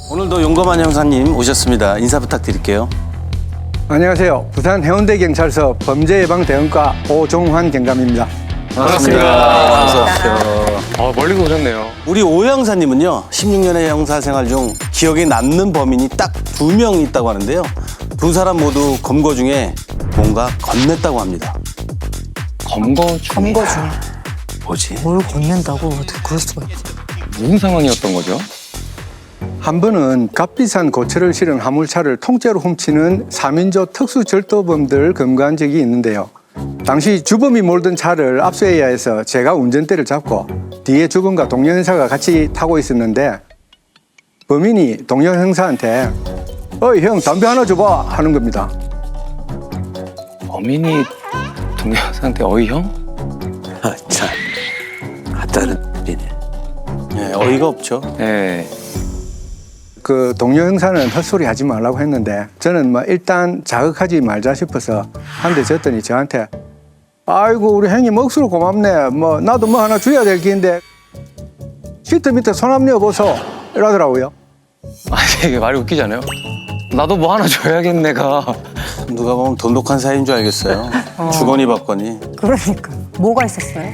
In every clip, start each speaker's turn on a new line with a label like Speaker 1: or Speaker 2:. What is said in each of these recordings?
Speaker 1: 오늘도 용감한 형사님 오셨습니다. 인사 부탁드릴게요.
Speaker 2: 안녕하세요. 부산 해운대경찰서 범죄예방대응과 오종환 경감입니다.
Speaker 1: 반갑습니다. 어서 오십시오.
Speaker 3: 멀리서 오셨네요.
Speaker 1: 우리 오 형사님은요, 16년의 형사 생활 중 기억에 남는 범인이 딱 2명 있다고 하는데요. 두 사람 모두 검거 중에 뭔가 건넸다고 합니다.
Speaker 3: 검거 중에
Speaker 1: 뭐지?
Speaker 4: 뭘 건넨다고 어떻게 그럴 수가 있지?
Speaker 3: 무슨 상황이었던 거죠?
Speaker 2: 한 번은 값비싼 고철을 실은 화물차를 통째로 훔치는 3인조 특수절도범들 검거한 적이 있는데요. 당시 주범이 몰던 차를 압수해야 해서 제가 운전대를 잡고 뒤에 주범과 동료 형사가 같이 타고 있었는데 범인이 동료 형사한테 어이 형 담배 하나 줘봐 하는 겁니다.
Speaker 3: 범인이 동료 상태 어이 형?
Speaker 1: 참, 아따는 이네. 네, 어이가 없죠.
Speaker 3: 네.
Speaker 2: 그 동료 형사는 헛소리 하지 말라고 했는데 저는 뭐 일단 자극하지 말자 싶어서 한 대 줬더니 저한테 아이고 우리 형님 억수로 고맙네 뭐 나도 뭐 하나 줘야 될 긴데 시트 밑에 손 한번 넣어보소 이러더라고요.
Speaker 3: 아니 이게 말이 웃기잖아요. 나도 뭐 하나 줘야겠네가.
Speaker 1: 누가 보면 돈독한 사이인 줄 알겠어요. 주거니 받거니.
Speaker 4: 그러니까 뭐가 있었어요?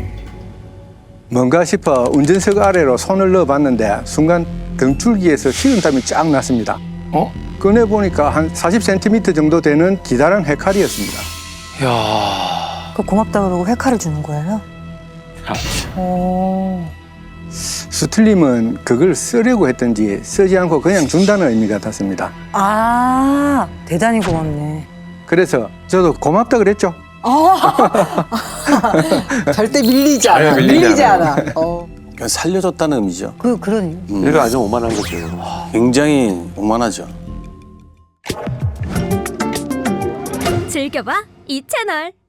Speaker 2: 뭔가 싶어 운전석 아래로 손을 넣어봤는데 순간 등줄기에서 식은땀이 쫙 났습니다.
Speaker 3: 어?
Speaker 2: 꺼내보니까 한 40cm 정도 되는 기다란 헤칼이었습니다.
Speaker 3: 이야.
Speaker 4: 그 고맙다 그러고 회칼을 주는 거예요? 오.
Speaker 2: 수틀림은 그걸 쓰려고 했던지 쓰지 않고 그냥 준다는 의미 같았습니다.
Speaker 4: 아, 대단히 고맙네.
Speaker 2: 그래서 저도 고맙다 그랬죠.
Speaker 4: 절대 밀리지 않아.
Speaker 3: 아니요, 밀리지
Speaker 4: 않아.
Speaker 1: 그러니까 살려줬다는 의미죠.
Speaker 4: 그러니.
Speaker 1: 이거 아주 오만한 거죠. 굉장히 오만하죠.
Speaker 5: 즐겨봐 이 채널.